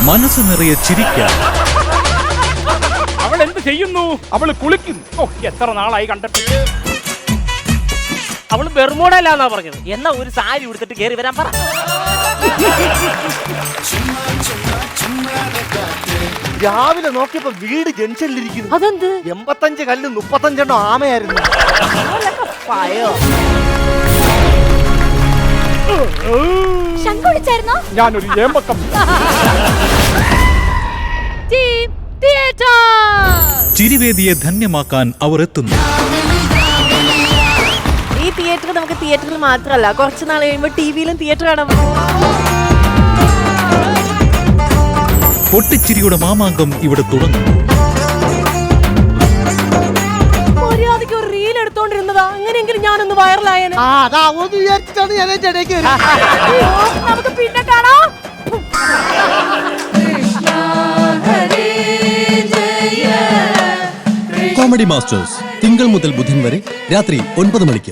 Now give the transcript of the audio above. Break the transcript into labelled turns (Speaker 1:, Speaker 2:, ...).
Speaker 1: മനസ്സ് നിറയെ ചിരിക്കാൻ.
Speaker 2: അവൾ എന്ത് ചെയ്യുന്നു? അവള് കുളിക്കുന്നു. ഓ, എത്ര നാളായി കണ്ടിട്ട്.
Speaker 3: അവള് ബെർമൂഡല്ലാന്നാ പറഞ്ഞത്. എന്നാ ഒരു സാരി ഉടുത്തിട്ട് കേറി വരാൻ പറ.
Speaker 4: രാവിലെ നോക്കിയപ്പോ വീട് ജംഗ്ഷനിലിരിക്കുന്നു.
Speaker 3: അതെന്ത്?
Speaker 4: 85 കല്ല് 35 ആമയായിരുന്നു.
Speaker 2: ഞാനൊരു ഏമ്പക്കം.
Speaker 1: ചിരിവേദിയെ ധന്യമാക്കാൻ അവർ എത്തുന്നു.
Speaker 5: ഈ തിയേറ്റർ നമുക്ക് തിയേറ്ററിൽ മാത്രമല്ല, കുറച്ച് നാൾ കഴിയുമ്പോൾ ടിവിയിലും തിയേറ്റർ കാണാൻ.
Speaker 1: പൊട്ടിച്ചിരിയുടെ മാമാങ്കം ഇവിടെ തുടങ്ങുന്നു.
Speaker 5: മര്യാദയ്ക്ക് ഒരു റീൽ എടുത്തോണ്ടിരുന്നതാ, അങ്ങനെയെങ്കിലും ഞാനൊന്ന് വൈറലായേനെ.
Speaker 4: അതാവോന്ന് വിചാരിച്ചിട്ടാണ് ഞാൻ അതിന്റെ ഇടയ്ക്ക്
Speaker 5: നമുക്ക് പിന്നെ കാണാം.
Speaker 6: കോമഡി മാസ്റ്റേഴ്സ് തിങ്കൾ മുതൽ ബുധൻ വരെ രാത്രി 9 മണിക്ക്.